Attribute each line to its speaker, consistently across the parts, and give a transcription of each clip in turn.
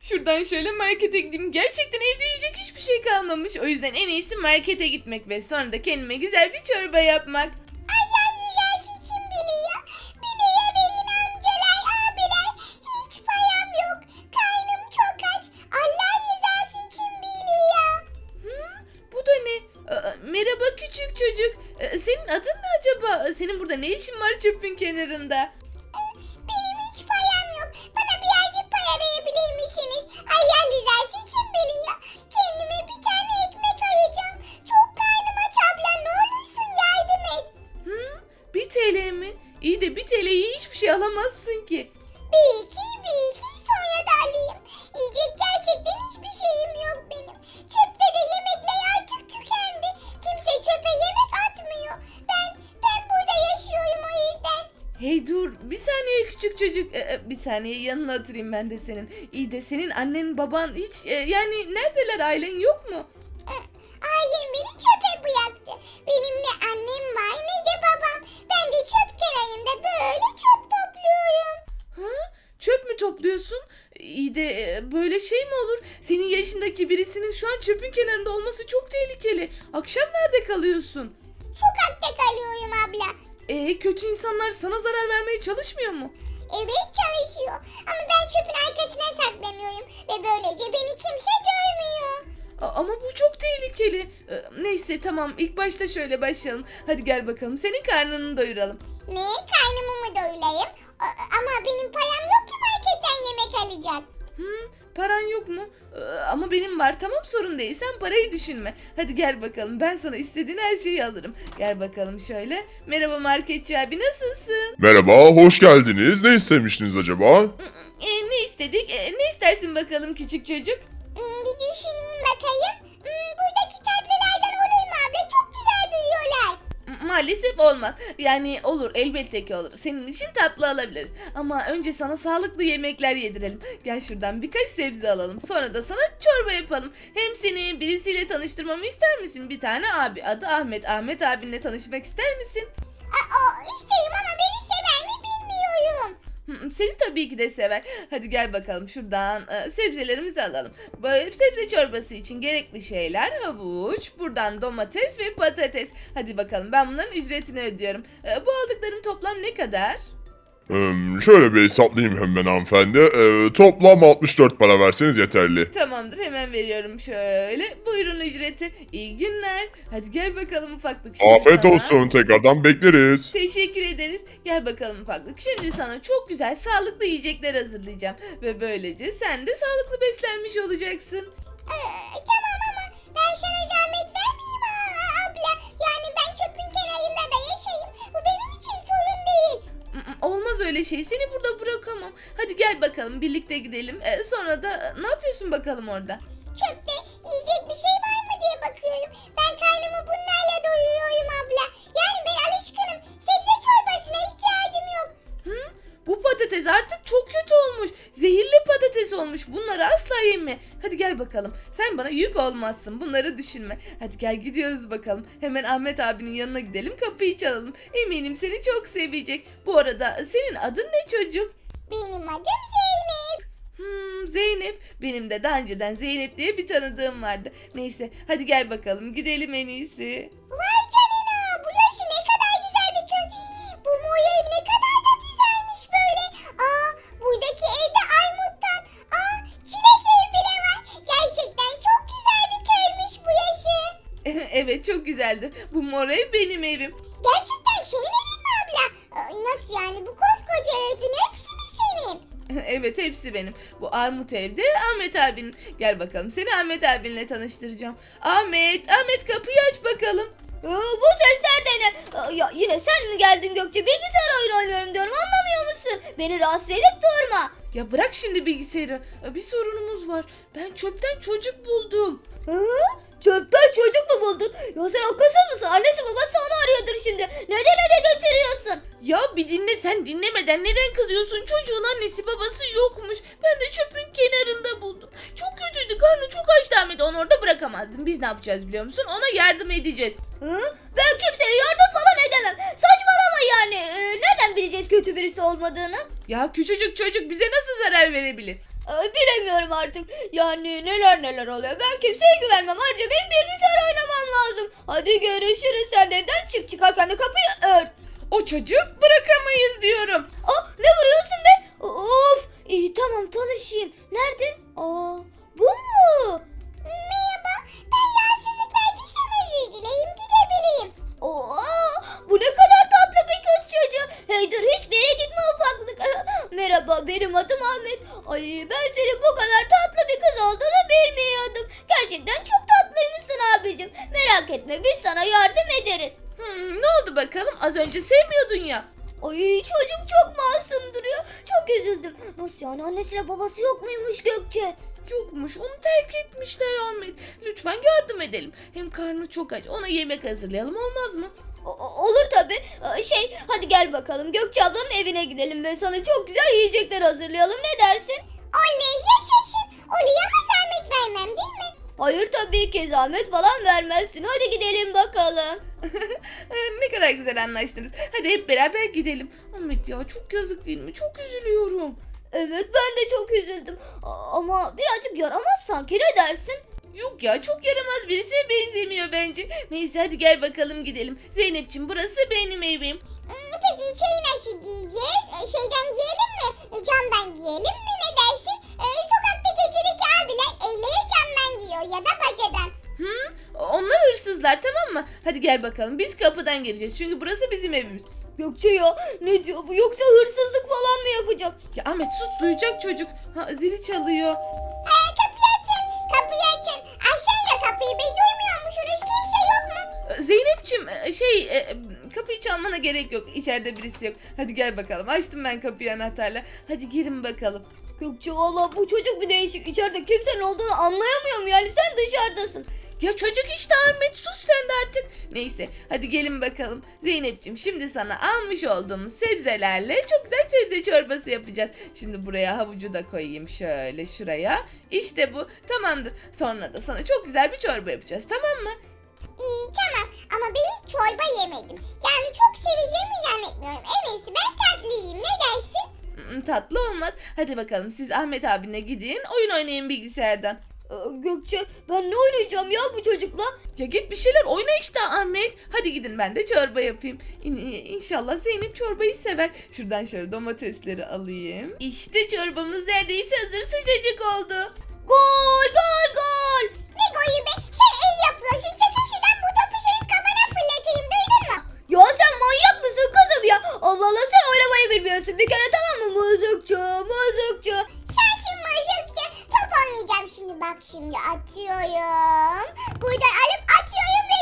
Speaker 1: Şuradan şöyle markete gideyim. Gerçekten evde yiyecek hiçbir şey kalmamış. O yüzden en iyisi markete gitmek ve sonra da kendime güzel bir çorba yapmak.
Speaker 2: Allah rızası için biliyor. Biliyor benim amcalar, abiler. Hiç param yok. Karnım çok aç. Allah rızası için biliyor.
Speaker 1: Bu da ne? Merhaba küçük çocuk. Senin adın ne acaba? Senin burada ne işin var çöpün kenarında?
Speaker 2: Benim hiç param yok. Bana birazcık para verebilir misiniz? Allah rızası için biliyor. Kendime bir tane ekmek alacağım. Çok karnım aç abla. Ne olursun yardım et.
Speaker 1: 1 TL mi? İyi de 1 TL'yi hiçbir şey alamazsın ki.
Speaker 2: Bir iki sonra da alayım. Yiyecek gerçekten hiçbir şeyim yok benim. Çöpte de yemekler artık tükendi. Kimse çöpe yemek atmıyor. Ben burada yaşıyorum o yüzden.
Speaker 1: Hey dur bir saniye küçük çocuk. Bir saniye yanına oturayım ben de senin. İyi de senin annen baban hiç yani neredeler, ailen yok mu?
Speaker 2: Ailem beni çöpe bıraktı. Benim ne annem var ne de babam. Ben de çöp kenarında böyle çöp topluyorum.
Speaker 1: Çöp mü topluyorsun? İyi de böyle şey mi olur? Senin yaşındaki birisinin şu an çöpün kenarında olması çok tehlikeli. Akşam nerede kalıyorsun?
Speaker 2: Sokakta kalıyorum abla.
Speaker 1: Kötü insanlar sana zarar vermeye çalışmıyor mu?
Speaker 2: Evet çalışıyor. Ama ben çöpün arkasına saklanıyorum. Ve böylece beni kimse görmüyor.
Speaker 1: Ama bu çok tehlikeli. Neyse tamam ilk başta şöyle başlayalım. Hadi gel bakalım senin karnını doyuralım.
Speaker 2: Ne? Karnımı mı doyurayım? Ama benim param yok ki marketten yemek alacak.
Speaker 1: Paran yok mu? Ama benim var, tamam, sorun değil, sen parayı düşünme. Hadi gel bakalım ben sana istediğin her şeyi alırım. Gel bakalım şöyle. Merhaba marketçi abi, nasılsın?
Speaker 3: Merhaba, hoş geldiniz. Ne istemiştiniz acaba?
Speaker 1: Ne istedik? Ne istersin bakalım küçük çocuk?
Speaker 2: Bir düşüneyim bakayım. Buradaki tatlılardan olur mu abla? Çok güzel duyuyorlar.
Speaker 1: Maalesef olmaz. Yani olur, elbette ki olur. Senin için tatlı alabiliriz. Ama önce sana sağlıklı yemekler yedirelim. Gel şuradan birkaç sebze alalım. Sonra da sana çorba yapalım. Hem seni birisiyle tanıştırmamı ister misin? Bir tane abi, adı Ahmet. Ahmet abinle tanışmak ister misin?
Speaker 2: İsteyim ama beni sever mi bilmiyorum.
Speaker 1: Seni tabii ki de sever. Hadi gel bakalım şuradan sebzelerimizi alalım. Böyle sebze çorbası için gerekli şeyler: havuç, buradan domates ve patates. Hadi bakalım ben bunların ücretini ödüyorum. Bu aldıklarım toplam ne kadar?
Speaker 3: Şöyle bir hesaplayayım hemen hanımefendi. Toplam 64 para verseniz yeterli.
Speaker 1: Tamamdır, hemen veriyorum şöyle. Buyurun ücreti. İyi günler. Hadi gel bakalım ufaklık. Şimdi
Speaker 3: Afiyet
Speaker 1: sana-
Speaker 3: olsun, tekrardan bekleriz.
Speaker 1: Teşekkür ederiz. Gel bakalım ufaklık. Şimdi sana çok güzel sağlıklı yiyecekler hazırlayacağım. Ve böylece sen de sağlıklı beslenmiş olacaksın.
Speaker 2: Tamam ama ben sana zahmet vermeyeyim abla. Yani ben çöpün kenarında da yaşayayım. Bu benim için sorun değil.
Speaker 1: Olmaz öyle şey. Seni burada bırakamam. Hadi gel bakalım birlikte gidelim. Sonra da ne yapıyorsun bakalım orada?
Speaker 2: Çöpte yiyecek bir şey var mı diye bakıyorum. Ben karnımı bunlarla doyuruyorum abla. Yani ben alışkınım. Sebze çorbasına ihtiyacım yok.
Speaker 1: Bu patates artık çok kötü olmuş. Zehirli patates olmuş. Bunları asla yeme. Hadi gel bakalım. Sen bana yük olmazsın. Bunları düşünme. Hadi gel gidiyoruz bakalım. Hemen Ahmet abinin yanına gidelim. Kapıyı çalalım. Eminim seni çok sevecek. Bu arada senin adın ne çocuk?
Speaker 2: Benim adım Zeynep.
Speaker 1: Zeynep. Benim de daha önceden Zeynep diye bir tanıdığım vardı. Neyse hadi gel bakalım. Gidelim en iyisi.
Speaker 2: Vay canına. Burası ne kadar güzel bir köy. Bu mor ev ne kadar da güzelmiş böyle. Buradaki evde armuttan. Çilek ev bile var. Gerçekten çok güzel bir köymüş burası.
Speaker 1: Evet çok güzeldir. Bu mor ev benim evim.
Speaker 2: Gerçekten senin evin mi abla? Nasıl yani, bu koskoca evin hepsi mi senin?
Speaker 1: Evet hepsi benim. Bu armut evde Ahmet abinin. Gel bakalım seni Ahmet abinle tanıştıracağım. Ahmet kapıyı aç bakalım.
Speaker 4: Bu sesler de ne? Ya yine sen mi geldin Gökçe? Bilgisayar oyunu oynuyorum diyorum, anlamıyor musun? Beni rahatsız edip durma.
Speaker 1: Ya bırak şimdi bilgisayarı. Bir sorunumuz var. Ben çöpten çocuk buldum.
Speaker 4: Çöpten çocuk mu buldun? Ya sen akılsız mısın? Annesi babası onu arıyordur şimdi. Neden eve götürüyorsun?
Speaker 1: Ya bir dinle, sen dinlemeden neden kızıyorsun? Çocuğun annesi babası yokmuş. Ben de çöpün kenarında buldum. Çok kötüydü, karnı çok açtı Ahmet. Onu orada bırakamazdım. Biz ne yapacağız biliyor musun? Ona yardım edeceğiz.
Speaker 4: Ben kimseye yardım falan edemem. Saçmalama yani. Nereden bileceğiz kötü birisi olmadığını?
Speaker 1: Ya küçücük çocuk bize nasıl zarar verebilir?
Speaker 4: Bilemiyorum artık. Yani neler oluyor. Ben kimseye güvenmem. Ayrıca benim bilgisayar oynamam lazım. Hadi görüşürüz. Sen de evden çık. Çıkarken de kapıyı ört.
Speaker 1: O çocuğu bırakamayız diyorum.
Speaker 4: Ne vuruyorsun be? Of. İyi tamam tanışayım. Nerede? Bu mu?
Speaker 2: Merhaba. Ben rahatsızlık verdiysem özür dileyim gidebileyim.
Speaker 4: Bu ne kadar tatlı bir kız çocuğu. Hey dur hiçbir yere gitme ufaklık. Merhaba benim adım Ahmet. Ay ben senin bu kadar tatlı bir kız olduğunu bilmiyordum. Gerçekten çok tatlıymışsın abicim. Merak etme biz sana yardım ederiz.
Speaker 1: Ne oldu bakalım? Az önce sevmiyordun ya.
Speaker 4: Ay çocuk çok masum duruyor. Çok üzüldüm. Nasıl yani annesiyle babası yok muymuş Gökçe?
Speaker 1: Yokmuş, onu terk etmişler Ahmet. Lütfen yardım edelim. Hem karnı çok aç. Ona yemek hazırlayalım, olmaz mı?
Speaker 4: Olur tabii. Hadi gel bakalım Gökçe ablanın evine gidelim ve sana çok güzel yiyecekler hazırlayalım. Ne dersin?
Speaker 2: Oley yaşasın. Oley ama zahmet vermem değil mi?
Speaker 4: Hayır tabii ki zahmet falan vermezsin. Hadi gidelim bakalım.
Speaker 1: Ne kadar güzel anlaştınız. Hadi hep beraber gidelim. Ahmet ya, çok yazık değil mi? Çok üzülüyorum.
Speaker 4: Evet ben de çok üzüldüm. Ama birazcık yaramaz sanki ne dersin?
Speaker 1: Yok ya, çok yaramaz birisine benzemiyor bence. Neyse hadi gel bakalım gidelim. Zeynep'ciğim, burası benim evim.
Speaker 2: Peki şeyi nasıl giyeceğiz? Şeyden giyelim mi? Camdan giyelim mi? Ne dersin? Sokakta gecedeki abiler evlere camdan giyiyor ya da bacadan.
Speaker 1: Onlar hırsızlar, tamam mı? Hadi gel bakalım, biz kapıdan gireceğiz. Çünkü burası bizim evimiz.
Speaker 4: Gökçe ya ne diyor bu yoksa hırsızlık falan mı yapacak?
Speaker 1: Ya Ahmet sus, duyacak çocuk. Zili çalıyor.
Speaker 2: Kapıyı açın. Kapıyı açın. Açsana kapıyı. Be duymuyor musunuz? Kimse yok mu?
Speaker 1: Zeynep'ciğim kapıyı çalmana gerek yok. İçeride birisi yok. Hadi gel bakalım. Açtım ben kapıyı anahtarla. Hadi girin bakalım.
Speaker 4: Gökçe valla bu çocuk bir değişik. İçeride kimsenin olduğunu anlayamıyorum yani sen dışarıdasın.
Speaker 1: Ya çocuk işte Ahmet, sus sen de artık. Neyse hadi gelin bakalım. Zeynep'ciğim, şimdi sana almış olduğumuz sebzelerle çok güzel sebze çorbası yapacağız. Şimdi buraya havucu da koyayım şöyle şuraya. İşte bu tamamdır. Sonra da sana çok güzel bir çorba yapacağız, tamam mı?
Speaker 2: İyi tamam ama ben hiç çorba yemedim. Yani çok seveceğimi zannetmiyorum. En iyisi ben tatlı yiyeyim. Ne dersin?
Speaker 1: Tatlı olmaz. Hadi bakalım siz Ahmet abine gidin, oyun oynayın bilgisayardan.
Speaker 4: Gökçe ben ne oynayacağım ya bu çocukla?
Speaker 1: Ya git bir şeyler oyna işte Ahmet. Hadi gidin, ben de çorba yapayım. İnşallah Zeynep çorbayı sever. Şuradan şöyle domatesleri alayım. İşte çorbamız neredeyse hazır, sıcacık oldu.
Speaker 4: Gol gol gol.
Speaker 2: Ne golü be? Sen iyi yapıyorsun. Çekil şuradan bu topu senin kafana fırlatayım. Duydun mu?
Speaker 4: Ya sen manyak mısın kızım ya? Allah Allah sen oynamayı bilmiyorsun bir kere tamam mı? Mızıkçı mızıkçı.
Speaker 2: Sen şimdi mızıkçı. Top oynayacağım şimdi. Bak şimdi atıyorum. Buradan alıp atıyorum ve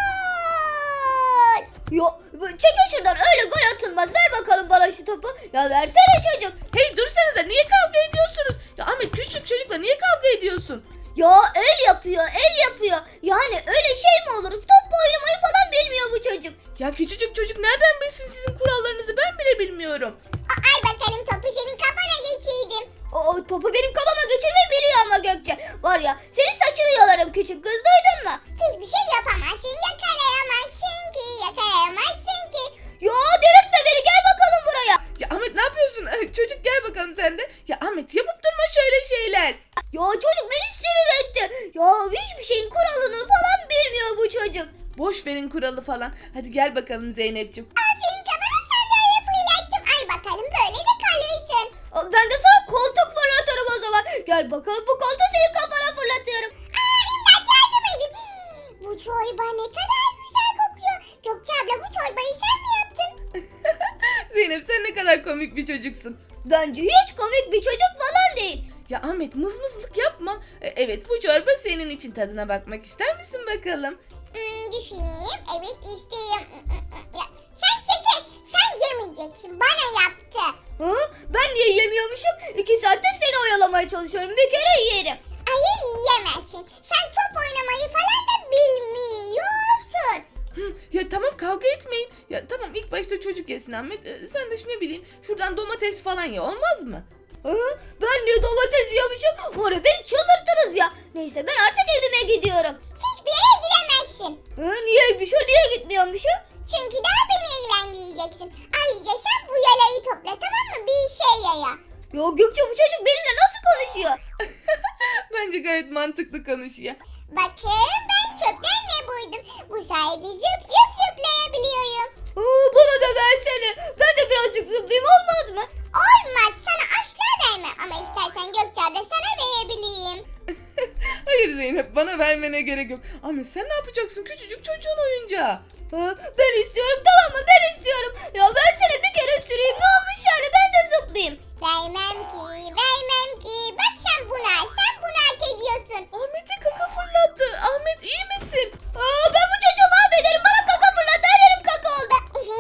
Speaker 2: gol.
Speaker 4: Ya çekil şuradan öyle gol atılmaz. Ver bakalım bana şu topu. Ya versene çocuk.
Speaker 1: Hey dursanıza, niye kavga ediyorsunuz? Ya Ahmet, küçük çocukla niye kavga ediyorsun?
Speaker 4: Ya el yapıyor el yapıyor. Yani öyle şey mi olur? Top oynamayı falan bilmiyor bu çocuk.
Speaker 1: Ya küçücük çocuk nereden bilsin sizin kurallarınızı, ben bile bilmiyorum.
Speaker 2: Al bakalım topu senin kafana geçirdim.
Speaker 4: O topu benim kafama geçirmeyi biliyor ama Gökçe. Var ya senin saçını yolarım küçük kız duydun mu?
Speaker 2: Hiçbir şey yapamazsın. Yakalayamazsın ki. Yakalayamazsın ki.
Speaker 4: Ya delirtme beni gel bakalım buraya.
Speaker 1: Ya Ahmet ne yapıyorsun? Çocuk gel bakalım sen de. Ya Ahmet, yapıp durma şöyle şeyler.
Speaker 4: Ya çocuk beni sinir etti. Ya hiçbir şeyin kuralını falan bilmiyor bu çocuk.
Speaker 1: Boş verin kuralı falan. Hadi gel bakalım Zeynep'ciğim.
Speaker 2: Al senin kafana sandalye fırlattım. Al bakalım böyle de kalırsın.
Speaker 4: Ben de sana koltuk fırlatırım o zaman. Gel bakalım bu koltuğu senin kafana fırlatıyorum.
Speaker 2: İmdat yardım edin. Bu çorba ne kadar güzel kokuyor. Gökçe abla bu çorbayı sen mi yaptın?
Speaker 1: Zeynep, sen ne kadar komik bir çocuksun.
Speaker 4: Bence hiç komik bir çocuk falan değil.
Speaker 1: Ya Ahmet, mızmızlık yapma. Evet, bu çorba senin için, tadına bakmak ister misin bakalım?
Speaker 2: Düşüneyim. Evet isteyeyim. Ya, sen çekil. Sen yemeyeceksin. Bana yaptı.
Speaker 4: Ben niye yemiyormuşum? 2 saattir seni oyalamaya çalışıyorum. Bir kere yerim.
Speaker 2: Hayır yiyemezsin. Sen top oynamayı falan da bilmiyorsun.
Speaker 1: Ya tamam, kavga etmeyin. Ya tamam, ilk başta çocuk yesin Ahmet. Sen de ne bileyim şuradan domates falan ye, olmaz mı?
Speaker 4: Ben niye domates yiyormuşum? Var ya beni çıldırttınız ya. Neyse ben artık evime gidiyorum.
Speaker 2: Hiçbir yere gidemezsin.
Speaker 4: Niye gitmiyormuşum?
Speaker 2: Çünkü daha beni eğlendireceksin. Ayrıca sen bu yalayı topla tamam mı? Bir işe yaya.
Speaker 4: Ya Gökçe bu çocuk benimle nasıl konuşuyor
Speaker 1: bence gayet mantıklı konuşuyor.
Speaker 2: Bakın ben çöpten ne buydum. Bu sayede zıp zıp zıplayabiliyorum.
Speaker 4: Bana da versene. Ben de birazcık zıplayayım olmaz mı?
Speaker 2: Olmaz, sana asla vermem ama istersen Gökçe abla sana verebileyim.
Speaker 1: Hayır Zeynep, bana vermene gerek yok. Ahmet sen ne yapacaksın? Küçücük çocuğun oyuncağı.
Speaker 4: Ben istiyorum, tamam mı? Ben istiyorum. Ya versene, bir kere süreyim. Ne olmuş yani? Ben de zıplayayım.
Speaker 2: Vermem ki, vermem ki. Bak sen bunu hak ediyorsun.
Speaker 1: Ahmet'e kaka fırlattı. Ahmet iyi misin?
Speaker 4: Ben bu çocuğu mahvederim. Bana kaka fırlat. Her yerim kaka oldu.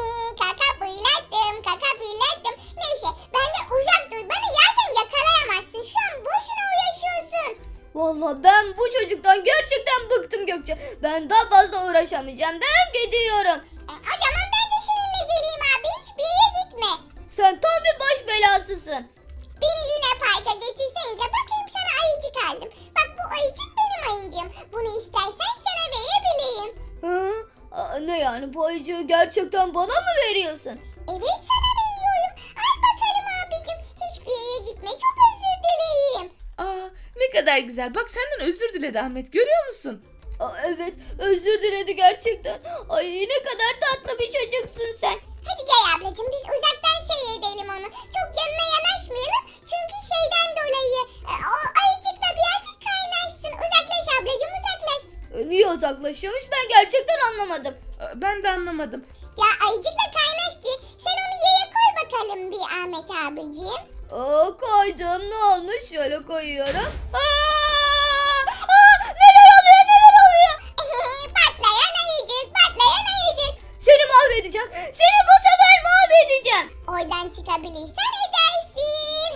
Speaker 2: Kaka fırlattım. Neyse, benden uzak dur. Beni yerden yakalayamazsın. Şu an boşuna uğraşıyorsun.
Speaker 4: Vallahi ben bu çocuktan gerçekten bıktım Gökçe. Ben daha fazla uğraşamayacağım. Ben gidiyorum.
Speaker 2: O zaman ben de seninle geleyim abi. Hiçbir yere gitme.
Speaker 4: Sen tam bir baş belasısın.
Speaker 2: Beni Luna Park'a götürsenize. Bakayım sana ayıcık aldım. Bak bu ayıcık benim ayıncığım. Bunu istersen sana verebileyim.
Speaker 4: Ne yani, bu ayıcığı gerçekten bana mı veriyorsun?
Speaker 2: Evet sana veriyorum. Al bakalım abicim. Hiçbir yere gitme. Çok özür dileyim.
Speaker 1: Aa, ne kadar güzel. Bak senden özür diledi Ahmet. Görüyor musun?
Speaker 4: Evet, özür diledi gerçekten. Ay, ne kadar tatlı bir çocuksun sen.
Speaker 2: Hadi gel ablacığım biz uzaktan seyredelim onu. Çok yanına yanaşmayalım. Çünkü şeyden dolayı o ayıcıkla birazcık kaynaşsın. Uzaklaş ablacığım uzaklaş.
Speaker 4: Niye uzaklaşıyormuş, ben gerçekten anlamadım.
Speaker 1: Ben de anlamadım.
Speaker 2: Ya ayıcıkla kaynaş diye. Sen onu yere koy bakalım bir Ahmet abicim.
Speaker 4: Koydum, ne olmuş, şöyle koyuyorum. Neler oluyor, neler oluyor?
Speaker 2: Patlayan ayıcık, patlayan ayıcık.
Speaker 4: Seni mahvedeceğim, seni bu sefer mahvedeceğim.
Speaker 2: Oradan çıkabilirsen edersin.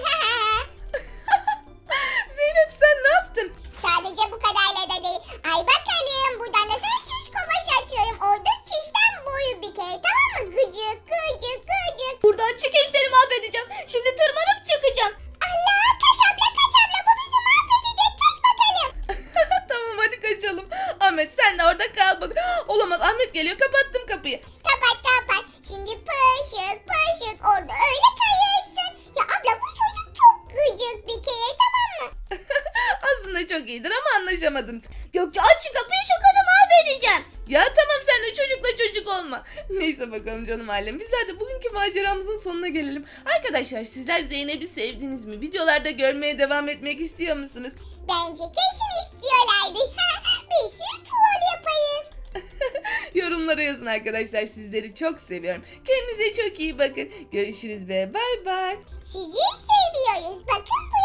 Speaker 1: Zeynep sen ne yaptın?
Speaker 2: Sadece bu kadarla da değil. Ay bakalım buradan da sana çiş kovası açıyorum. Orada çişten boyu bir kere tamam mı? Gıcık gıcık gıcık.
Speaker 4: Buradan çıkayım, seni mahvedeceğim. Şimdi tırmanıp çıkacağım.
Speaker 2: Allah kaç abla bu bizi mahvedecek kaç bakalım.
Speaker 1: Tamam hadi kaçalım. Ahmet sen de orada kal bak. Olamaz, Ahmet geliyor, kapattım kapıyı.
Speaker 2: Kapat. Şimdi pışık orada öyle kayırsın. Ya abla bu çocuk çok gıcık bir kere tamam mı?
Speaker 1: Aslında çok iyidir ama anlaşamadın.
Speaker 4: Gökçe aç şu kapıyı, şu kızı mahvedeceğim.
Speaker 1: Ya tamam sen de çocukla çocuk olma. Neyse bakalım canım ailem. Bizler de bugünkü maceramızın sonuna gelelim. Arkadaşlar sizler Zeynep'i sevdiniz mi? Videolarda görmeye devam etmek istiyor musunuz?
Speaker 2: Bence kesin istiyorlardı. Bir sürü troll yaparız.
Speaker 1: Yorumlara yazın arkadaşlar. Sizleri çok seviyorum. Kendinize çok iyi bakın. Görüşürüz ve bay bay.
Speaker 2: Sizi seviyoruz. Bakın